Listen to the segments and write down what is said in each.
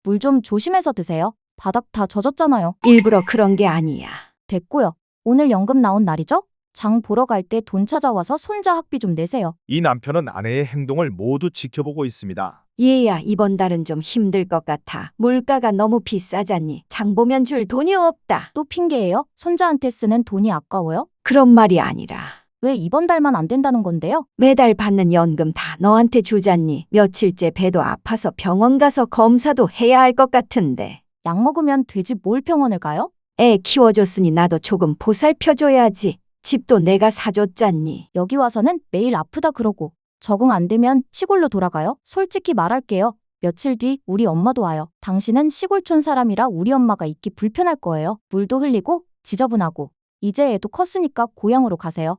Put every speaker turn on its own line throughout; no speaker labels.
물 좀 조심해서 드세요. 바닥 다 젖었잖아요.
일부러 그런 게 아니야.
됐고요. 오늘 연금 나온 날이죠? 장 보러 갈 때 돈 찾아와서 손자 학비 좀 내세요.
이 남편은 아내의 행동을 모두 지켜보고 있습니다.
얘야, 이번 달은 좀 힘들 것 같아. 물가가 너무 비싸잖니. 장 보면 줄 돈이 없다.
또 핑계예요? 손자한테 쓰는 돈이 아까워요?
그런 말이 아니라
왜 이번 달만 안 된다는 건데요?
매달 받는 연금 다 너한테 주잖니. 며칠째 배도 아파서 병원 가서 검사도 해야 할 것 같은데.
약 먹으면 되지 뭘 병원을 가요?
애 키워줬으니 나도 조금 보살펴줘야지. 집도 내가 사줬잖니.
여기 와서는 매일 아프다 그러고 적응 안 되면 시골로 돌아가요? 솔직히 말할게요. 며칠 뒤 우리 엄마도 와요. 당신은 시골촌 사람이라 우리 엄마가 있기 불편할 거예요. 물도 흘리고 지저분하고. 이제 애도 컸으니까 고향으로 가세요.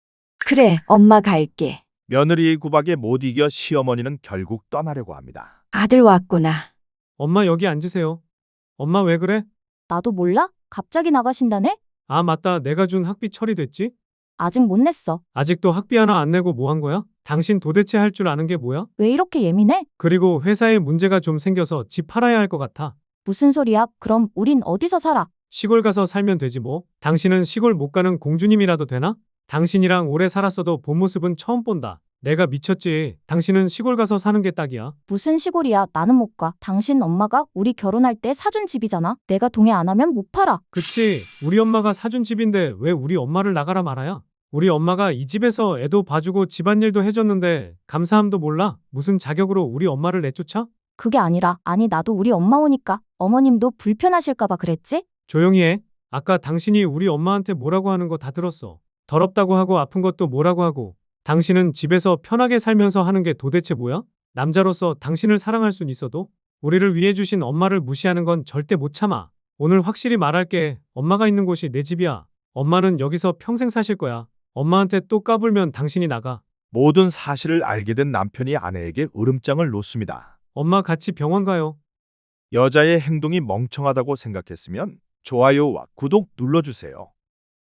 그래, 엄마 갈게.
며느리의 구박에 못 이겨 시어머니는 결국 떠나려고 합니다.
아들 왔구나.
엄마 여기 앉으세요. 엄마 왜 그래?
나도 몰라? 갑자기 나가신다네?
아, 맞다. 내가 준 학비 처리됐지?
아직 못 냈어.
아직도 학비 하나 안 내고 뭐 한 거야? 당신 도대체 할 줄 아는 게 뭐야?
왜 이렇게 예민해?
그리고 회사에 문제가 좀 생겨서 집 팔아야 할 것 같아.
무슨 소리야? 그럼 우린 어디서 살아?
시골 가서 살면 되지 뭐. 당신은 시골 못 가는 공주님이라도 되나? 당신이랑 오래 살았어도 본 모습은 처음 본다. 내가 미쳤지. 당신은 시골 가서 사는 게 딱이야.
무슨 시골이야? 나는 못 가. 당신 엄마가 우리 결혼할 때 사준 집이잖아. 내가 동의 안 하면 못 팔아.
그치. 우리 엄마가 사준 집인데 왜 우리 엄마를 나가라 말아야? 우리 엄마가 이 집에서 애도 봐주고 집안일도 해줬는데 감사함도 몰라? 무슨 자격으로 우리 엄마를 내쫓아?
그게 아니라, 아니 나도 우리 엄마 오니까 어머님도 불편하실까봐 그랬지?
조용히 해. 아까 당신이 우리 엄마한테 뭐라고 하는 거 다 들었어. 더럽다고 하고 아픈 것도 뭐라고 하고. 당신은 집에서 편하게 살면서 하는 게 도대체 뭐야? 남자로서 당신을 사랑할 순 있어도 우리를 위해 주신 엄마를 무시하는 건 절대 못 참아. 오늘 확실히 말할게. 엄마가 있는 곳이 내 집이야. 엄마는 여기서 평생 사실 거야. 엄마한테 또 까불면 당신이 나가.
모든 사실을 알게 된 남편이 아내에게 으름장을 놓습니다.
엄마 같이 병원 가요.
여자의 행동이 멍청하다고 생각했으면 좋아요와 구독 눌러주세요.